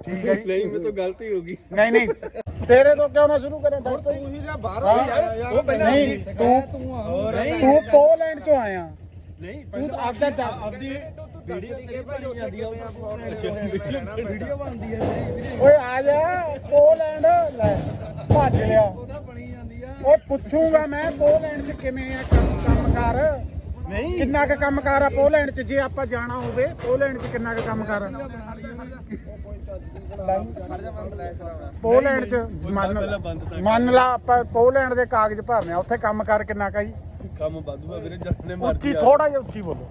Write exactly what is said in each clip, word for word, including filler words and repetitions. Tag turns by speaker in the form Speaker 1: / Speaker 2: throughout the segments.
Speaker 1: ठीक है
Speaker 2: नहीं मैं तो गलती होगी
Speaker 1: नहीं नहीं तेरे तो क्यों ना शुरू करें दस तो नहीं तू तू पोलैंड चो आया
Speaker 2: नहीं
Speaker 1: तू आपदा
Speaker 2: ਆਪਦੀ ਵੀਡੀਓ ਤੇਰੀ ਬਣੀ ਜਾਂਦੀ ਆ ਵੀਡੀਓ ਬਣਦੀ ਆ
Speaker 1: ਓਏ ਆ ਜਾ ਪੋਲੈਂਡ ਲੈ ਭੱਜ ਲਿਆ ਓਏ ਪੁੱਛੂਗਾ ਮੈਂ ਪੋਲੈਂਡ ਚ ਕਿਵੇਂ ਆ ਕੰਮ ਕੰਮਕਾਰ
Speaker 2: ਨਹੀਂ
Speaker 1: ਕਿੰਨਾ ਕੁ ਕੰਮਕਾਰ ਆ ਪੋਲੈਂਡ ਚ ਜੇ ਆਪਾਂ ਜਾਣਾ ਹੋਵੇ ਪੋਲੈਂਡ ਚ ਕਿੰਨਾ ਕੁ ਕੰਮਕਾਰ ਆ ਪੋਲੈਂਡ ਚ ਮੰਨ ਮੰਨ ਲਾ ਆਪਾਂ ਪੋਲੈਂਡ ਦੇ ਕਾਗਜ਼ ਭਰਨੇ ਆ ਉੱਥੇ ਕੰਮਕਾਰ ਕਿੰਨਾ ਕਾ ਜੀ
Speaker 2: ਕੰਮ ਵਾਧੂਆ ਵੀਰੇ ਜੱਟਨੇ
Speaker 1: ਉੱਚੀ ਥੋੜਾ ਜਿਹਾ ਉੱਚੀ ਬੋਲੋ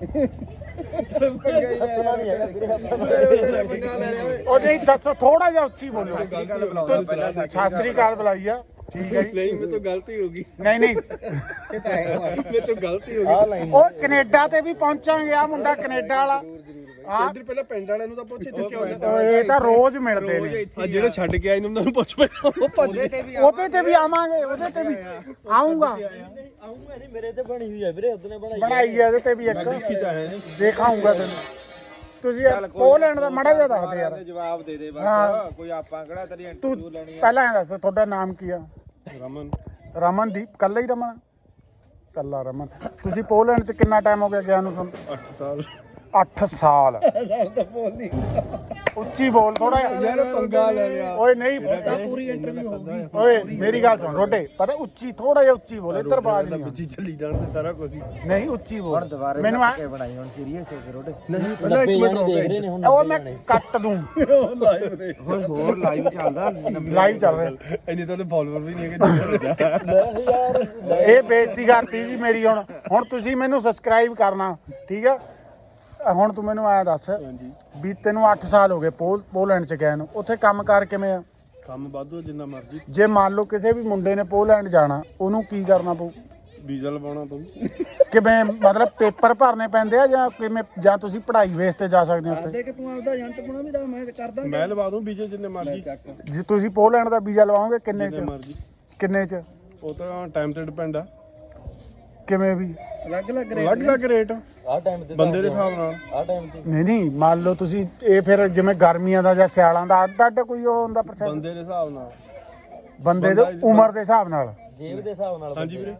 Speaker 1: ਉਹ ਨਹੀਂ ਦੱਸੋ ਥੋੜਾ ਜਿਹਾ ਉੱਚੀ ਬੋਲੋ ਸਤਿ ਸ੍ਰੀ ਅਕਾਲ ਬੁਲਾਈ ਆ ਠੀਕ ਹੈ
Speaker 2: नहीं मैं तो गलती होगी
Speaker 1: ਨਹੀਂ ਨਹੀਂ
Speaker 2: मैं तो गलती होगी
Speaker 1: ਉਹ ਕੈਨੇਡਾ ਤੇ ਵੀ ਪਹੁੰਚਾਂਗੇ ਆ ਮੁੰਡਾ ਕੈਨੇਡਾ ਵਾਲਾ ਆ
Speaker 2: ਇੱਧਰ ਪਹਿਲਾਂ ਪਿੰਡ ਵਾਲਿਆਂ ਨੂੰ ਤਾਂ ਪੁੱਛ ਇੱਥੇ ਕਿਉਂ ਆਇਆ
Speaker 1: ਇਹ ਤਾਂ ਰੋਜ਼ ਮਿਲਦੇ ਨੇ
Speaker 2: ਆ ਜਿਹੜੇ ਛੱਡ ਕੇ ਆਏ ਨੇ ਉਹਨਾਂ ਨੂੰ ਪੁੱਛ ਪਹਿਲਾਂ ਉਹ ਭੱਜ ਗਏ
Speaker 1: ਉਹਦੇ ਤੇ ਵੀ ਆਵਾਂਗੇ ਉਹਦੇ ਤੇ ਵੀ ਆਉਂਗਾ
Speaker 2: ਆਉਂਗਾ ਨਹੀਂ ਮੇਰੇ ਤੇ ਬਣੀ ਹੋਈ ਆ ਵੀਰੇ ਉਹਨੇ ਬਣਾਈ
Speaker 1: ਬਣਾਈ ਹੈ ਇਹਦੇ ਤੇ ਵੀ ਇੱਕ ਦੇਖਾਉਂਗਾ ਤੈਨੂੰ ਤੁਸੀਂ ਪੋਲੈਂਡ ਦਾ ਮੜਾ ਜਿਹਾ ਦੱਸ ਦੇ ਯਾਰ
Speaker 3: ਜਵਾਬ ਦੇ ਦੇ ਬਸ ਕੋਈ ਆਪਾਂ ਕਿਹੜਾ ਤੇਰੀ
Speaker 1: ਤੂੰ
Speaker 3: ਇੰਟਰਵਿਊ ਲੈਣੀ ਆ
Speaker 1: ਪਹਿਲਾਂ ਇਹ ਦੱਸ ਤੁਹਾਡਾ ਨਾਮ ਕੀ ਆ
Speaker 2: ਰਮਨ
Speaker 1: ਰਮਨਦੀਪ ਕੱਲਾ ਹੀ ਰਮਨ ਕੱਲਾ ਰਮਨ ਤੁਸੀਂ ਪੋਲੈਂਡ ਚ ਕਿੰਨਾ ਟਾਈਮ ਹੋ ਗਿਆ ਗਿਆ ਨੂੰ ਤੁਹਾਨੂੰ
Speaker 2: ਅੱਠ ਸਾਲ
Speaker 1: ਅੱਠ ਸਾਲ
Speaker 3: ਤਾਂ ਬੋਲ ਨਹੀਂ
Speaker 1: ਉੱਚੀ ਬੋਲ ਥੋੜਾ
Speaker 2: ਯਾਰ ਪੰਗਾ ਲੈ ਲਿਆ
Speaker 1: ਓਏ ਨਹੀਂ
Speaker 3: ਪੂਰੀ ਇੰਟਰਵਿਊ ਹੋਊਗੀ
Speaker 1: ਓਏ ਮੇਰੀ ਗੱਲ ਸੁਣ ਰੋਡੇ ਪਤਾ ਉੱਚੀ ਥੋੜਾ ਜਿਹਾ ਉੱਚੀ ਬੋਲ ਇੱਧਰ ਬਾਜ ਨਹੀਂ
Speaker 2: ਵਿੱਚ ਚੱਲੀ ਜਾਣਦੇ ਸਾਰਾ ਕੁਝ ਹੀ
Speaker 1: ਨਹੀਂ ਉੱਚੀ ਬੋਲ ਮੈਨੂੰ ਆ
Speaker 3: ਬਣਾਈ ਹੁਣ ਸੀਰੀਅਸ ਹੋ ਕੇ ਰੋਡੇ
Speaker 2: ਨਹੀਂ ਪਹਿਲਾਂ ਇੱਕ ਮਿੰਟ ਰੁਕ
Speaker 1: ਉਹ ਮੈਂ ਕੱਟ ਦੂੰ
Speaker 3: ਲਾਈਵ ਦੇ ਹੋਰ ਹੋਰ ਲਾਈਵ ਚੱਲਦਾ
Speaker 1: ਲਾਈਵ ਚੱਲ ਰਿਹਾ
Speaker 2: ਇੰਨੇ ਤਾਂ ਫਾਲੋਅਰ ਵੀ ਨਹੀਂ ਹੈਗੇ
Speaker 1: ਇਹ ਬੇਇੱਜ਼ਤੀ ਕਰਤੀ ਜੀ ਮੇਰੀ ਹੁਣ ਹੁਣ ਤੁਸੀਂ ਮੈਨੂੰ ਸਬਸਕ੍ਰਾਈਬ ਕਰਨਾ ਠੀਕ ਆ ਹੁਣ ਤੂੰ ਮੈਨੂੰ ਆਇਆ ਦੱਸ ਵੀ ਤੈਨੂੰ ਅੱਠ ਸਾਲ ਹੋ ਗਏ ਪੋਲ ਪੋਲੈਂਡ ਚ ਗਏ ਨੂੰ ਉੱਥੇ ਕੰਮ ਕਾਰ ਕਿਵੇਂ ਆ
Speaker 2: ਕੰਮ ਵਾਧੂ ਜਿੰਨਾ ਮਰਜ਼ੀ
Speaker 1: ਜੇ ਮੰਨ ਲਓ ਕਿਸੇ ਵੀ ਮੁੰਡੇ ਨੇ ਪੋਲੈਂਡ ਜਾਣਾ ਉਹਨੂੰ ਕੀ ਕਰਨਾ ਪਊ
Speaker 2: ਵੀਜ਼ਾ ਲਵਾਉਣਾ ਪਊ
Speaker 1: ਕਿਵੇਂ ਮਤਲਬ ਪੇਪਰ ਭਰਨੇ ਪੈਂਦੇ ਆ ਜਾਂ ਕਿਵੇਂ ਜਾਂ ਤੁਸੀਂ ਪੜ੍ਹਾਈ ਬੇਸ ਤੇ ਜਾ ਸਕਦੇ ਹੋ ਉੱਥੇ
Speaker 3: ਦੇ ਕਿ ਤੂੰ ਆਪਦਾ ਏਜੰਟ ਬਣਾ ਵੀ ਦਾ ਮੈਂ ਕਰਦਾ
Speaker 2: ਮੈਂ ਲਵਾ ਦੂੰ ਵੀਜ਼ੇ ਜਿੰਨੇ ਮਰਜ਼ੀ
Speaker 1: ਜੇ ਤੁਸੀਂ ਪੋਲੈਂਡ ਦਾ ਵੀਜ਼ਾ ਲਵਾਓਗੇ ਕਿੰਨੇ
Speaker 2: ਜਿੰਨੇ
Speaker 1: ਚ
Speaker 2: ਮਰਜ਼ੀ
Speaker 1: ਕਿੰਨੇ ਚ
Speaker 2: ਉਹ ਤਾਂ ਟਾਈਮ ਤੇ ਡਿਪੈਂਡ ਆ
Speaker 1: ਕਿਵੇਂ ਵੀ
Speaker 3: ਅਲੱਗ ਅਲੱਗ
Speaker 2: ਅਲੱਗ ਅਲੱਗ ਰੇਟ
Speaker 4: ਆ ਟਾਈਮ ਤੇ
Speaker 2: ਬੰਦੇ ਦੇ ਹਿਸਾਬ ਨਾਲ
Speaker 4: ਆ ਟਾਈਮ ਤੇ
Speaker 1: ਨਹੀਂ ਨਹੀਂ ਮੰਨ ਲਓ ਤੁਸੀਂ ਇਹ ਫਿਰ ਜਿਵੇਂ ਗਰਮੀਆਂ ਦਾ ਜਾਂ ਸਿਆਲਾਂ ਦਾ ਅੱਡ ਅੱਡ ਕੋਈ ਉਹ ਹੁੰਦਾ ਪ੍ਰੋਸੈਸ
Speaker 2: ਬੰਦੇ ਦੇ ਹਿਸਾਬ ਨਾਲ
Speaker 1: ਬੰਦੇ ਦੇ ਉਮਰ ਦੇ ਹਿਸਾਬ ਨਾਲ
Speaker 4: ਜੇਬ ਦੇ ਹਿਸਾਬ ਨਾਲ
Speaker 2: ਹਾਂਜੀ ਵੀਰੇ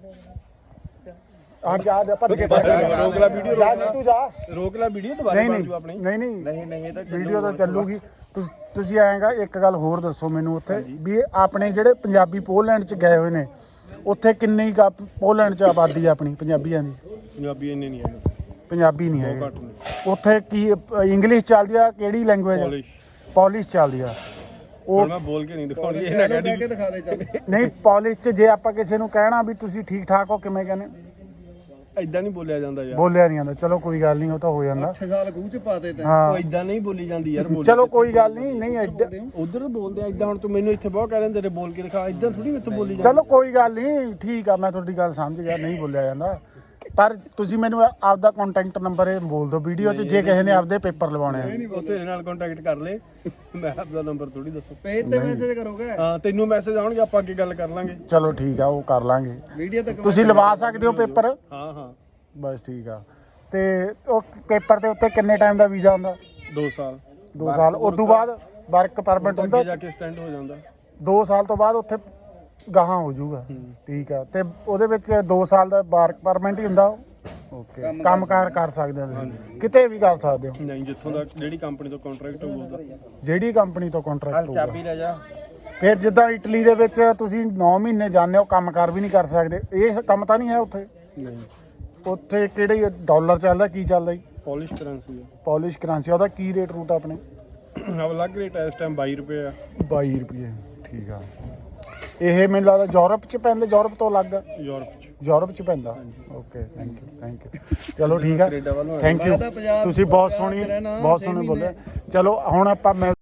Speaker 1: ਆ ਜਾ ਜਾ ਭੱਜ ਕੇ
Speaker 2: ਰੋਕ ਲੈ ਵੀਡੀਓ
Speaker 1: ਜਾ ਜੀ ਤੂੰ ਜਾ
Speaker 2: ਰੋਕ ਲੈ ਵੀਡੀਓ ਦੁਬਾਰਾ
Speaker 1: ਨਹੀਂ
Speaker 2: ਬਣ
Speaker 1: ਨਹੀਂ
Speaker 2: ਜੂ ਆਪਣੀ
Speaker 1: ਨਹੀਂ ਨਹੀਂ
Speaker 3: ਨਹੀਂ ਨਹੀਂ ਇਹ ਤਾਂ
Speaker 1: ਵੀਡੀਓ ਤਾਂ ਚੱਲੂਗੀ ਤੁਸ- ਤੁਸੀਂ ਆਏਗਾ ਇੱਕ ਗੱਲ ਹੋਰ ਦੱਸੋ ਮੈਨੂੰ ਉੱਥੇ ਵੀ ਇਹ ਆਪਣੇ ਜਿਹੜੇ ਪੰਜਾਬੀ ਪੋਲੈਂਡ ਚ ਗਏ ਹੋਏ ਨੇ ਉੱਥੇ ਕਿੰਨੀ ਕੁ ਪੋਲੈਂਡ ਚ ਆਬਾਦੀ ਆ ਆਪਣੀ ਪੰਜਾਬੀਆਂ ਦੀ
Speaker 2: ਪੰਜਾਬੀ ਇੰਨੇ ਨਹੀਂ ਹੈਗੇ
Speaker 1: ਪੰਜਾਬੀ ਨਹੀਂ
Speaker 2: ਬਹੁਤ
Speaker 1: ਹੈਗੇ
Speaker 2: ਘੱਟ ਨੇ
Speaker 1: ਉੱਥੇ ਕੀ ਇੰਗਲਿਸ਼ ਚੱਲਦੀ ਆ ਕਿਹੜੀ ਲੈਂਗੁਏਜ
Speaker 2: ਪੋਲਿਸ਼
Speaker 1: ਪੋਲਿਸ਼ ਚੱਲਦੀ ਆ ਉਹ
Speaker 2: ਹੁਣ ਮੈਂ ਬੋਲ ਕੇ ਨਹੀਂ ਦਿਖਾਉਣੀ ਇਹ ਨਾ
Speaker 3: ਲੈ
Speaker 2: ਕਹਿ
Speaker 3: ਕੇ ਦਿਖਾ ਦੇ ਚੱਲ
Speaker 1: ਨਹੀਂ ਪੋਲਿਸ਼ ਚ ਜੇ ਆਪਾਂ ਕਿਸੇ ਨੂੰ ਕਹਿਣਾ ਵੀ ਤੁਸੀਂ ਠੀਕ ਠਾਕ ਹੋ ਕਿਵੇਂ ਕਹਿੰਦੇ
Speaker 2: ਇਦਾਂ ਨਹੀਂ ਬੋਲਿਆ ਜਾਂਦਾ ਯਾਰ
Speaker 1: ਬੋਲਿਆ ਨਹੀਂ ਆਉਂਦਾ ਚਲੋ ਕੋਈ ਗੱਲ ਨਹੀਂ ਉਹ ਤਾਂ ਹੋ ਜਾਂਦਾ
Speaker 3: ਅੱਠ ਸਾਲ ਖੂਹ ਚ ਪਾਤੇ ਤੇ
Speaker 1: ਹਾਂ
Speaker 2: ਉਹ ਇਦਾਂ ਨਹੀਂ ਬੋਲੀ ਜਾਂਦੀ ਯਾਰ ਬੋਲ
Speaker 1: ਚਲੋ ਕੋਈ ਗੱਲ ਨਹੀਂ ਨਹੀਂ ਐਡਾ-
Speaker 2: ਉਧਰ ਬੋਲਦੇ ਆ ਇਦਾਂ ਹੁਣ ਤੂੰ ਮੈਨੂੰ ਇੱਥੇ ਬਹੁਤ ਕਹਿ ਰਹੇ ਤੇਰੇ ਬੋਲ ਕੇ ਦਿਖਾ ਇਦਾਂ ਥੋੜੀ ਮੈਥੋਂ ਬੋਲੀ ਜਾਂਦੀ
Speaker 1: ਚਲੋ ਕੋਈ ਗੱਲ ਨਹੀਂ ਠੀਕ ਆ ਮੈਂ ਤੁਹਾਡੀ ਗੱਲ ਸਮਝ ਗਿਆ ਨਹੀਂ ਬੋਲਿਆ ਜਾਂਦਾ ਪਰ ਤੁਸੀਂ ਮੈਨੂੰ ਆਪਦਾ ਕੰਟੈਕਟ ਨੰਬਰ ਇਹ ਬੋਲ ਦਿਓ ਵੀਡੀਓ 'ਚ ਜੇ ਕਿਸੇ ਨੇ ਆਪਦੇ ਪੇਪਰ ਲਵਾਉਣੇ ਆ
Speaker 2: ਉਹ ਤੇਰੇ ਨਾਲ ਕੰਟੈਕਟ ਕਰ ਲੈ ਮੈਂ ਆਪਦਾ ਨੰਬਰ ਥੋੜੀ ਦੱਸੋ
Speaker 3: ਪੇਜ ਤੇ ਮੈਸੇਜ ਕਰੋਗੇ
Speaker 2: ਹਾਂ ਤੈਨੂੰ ਮੈਸੇਜ ਆਉਣਗੇ ਆਪਾਂ ਅੱਗੇ ਗੱਲ ਕਰ ਲਾਂਗੇ
Speaker 1: ਚਲੋ ਠੀਕ ਆ ਉਹ ਕਰ ਲਾਂਗੇ
Speaker 3: ਵੀਡੀਓ ਤੱਕ
Speaker 1: ਤੁਸੀਂ ਲਵਾ ਸਕਦੇ ਹੋ ਪੇਪਰ
Speaker 2: ਹਾਂ ਹਾਂ
Speaker 1: ਬਸ ਠੀਕ ਆ ਤੇ ਉਹ ਪੇਪਰ ਦੇ ਉੱਤੇ ਕਿੰਨੇ ਟਾਈਮ ਦਾ ਵੀਜ਼ਾ ਹੁੰਦਾ
Speaker 2: ਦੋ ਸਾਲ
Speaker 1: ਦੋ ਸਾਲ ਉਸ ਤੋਂ ਬਾਅਦ ਵਰਕ ਪਰਮਿਟ ਹੁੰਦਾ
Speaker 2: ਅੱਗੇ ਜਾ ਕੇ ਸਟੈਂਡ ਹੋ ਜਾਂਦਾ
Speaker 1: ਦੋ ਸਾਲ ਤੋਂ ਬਾਅਦ ਉੱਥੇ ਗਾਹਾਂ ਹੋ ਜਾਊਗਾ ਠੀਕ ਆ ਤੇ ਉਹਦੇ ਵਿੱਚ ਦੋ ਸਾਲ ਦਾ ਵਰਕ ਪਰਮਿਟ ਹੀ ਹੁੰਦਾ ਓਕੇ ਕੰਮਕਾਰ ਕਰ ਸਕਦੇ ਹੋ ਤੁਸੀਂ ਕਿਤੇ ਵੀ ਕਰ ਸਕਦੇ ਹੋ
Speaker 2: ਨਹੀਂ ਜਿੱਥੋਂ ਦਾ ਜਿਹੜੀ ਕੰਪਨੀ ਤੋਂ ਕੰਟਰੈਕਟ ਹੋਊਗਾ
Speaker 1: ਜਿਹੜੀ ਕੰਪਨੀ ਤੋਂ ਕੰਟਰੈਕਟ ਹੋਊਗਾ
Speaker 3: ਚਾਬੀ ਲੈ ਜਾ
Speaker 1: ਫਿਰ ਜਿੱਦਾਂ ਇਟਲੀ ਦੇ ਵਿੱਚ ਤੁਸੀਂ ਨੌ ਮਹੀਨੇ ਜਾਂਦੇ ਹੋ ਕੰਮਕਾਰ ਵੀ ਨਹੀਂ ਕਰ ਸਕਦੇ ਇਹ ਕੰਮ ਤਾਂ ਨਹੀਂ ਹੈ ਉੱਥੇ
Speaker 2: ਨਹੀਂ
Speaker 1: ਉੱਥੇ ਕਿਹੜੇ ਡਾਲਰ ਚੱਲਦਾ ਕੀ ਚੱਲਦਾ ਜੀ
Speaker 2: ਪੋਲਿਸ਼ ਕਰੰਸੀ
Speaker 1: ਪੋਲਿਸ਼ ਕਰੰਸੀ ਉਹਦਾ ਕੀ ਰੇਟ ਰੂਟ ਆਪਣੇ
Speaker 2: ਆ ਅਲੱਗ ਰੇਟ ਹੈ ਇਸ ਟਾਈਮ ਬਾਈ ਰੁਪਏ ਆ
Speaker 1: ਬਾਈ ਰੁਪਏ ਠੀਕ ਆ ਇਹ ਮੈਨੂੰ ਲੱਗਦਾ ਯੂਰਪ ਚ ਪੈਂਦੇ ਯੂਰਪ ਤੋਂ ਅਲੱਗ
Speaker 2: ਯੂਰਪ ਚ
Speaker 1: ਯੂਰਪ ਚ ਪੈਂਦਾ okay thank you thank you ਚਲੋ ਠੀਕ ਆ
Speaker 2: ਕੈਨੇਡਾ ਵੱਲੋਂ
Speaker 1: ਥੈਂਕ ਯੂ ਤੁਸੀਂ ਬਹੁਤ ਸੋਹਣੀ ਬਹੁਤ ਸੋਹਣੇ ਬੋਲੇ ਚਲੋ ਹੁਣ ਆਪਾਂ ਮੈਂ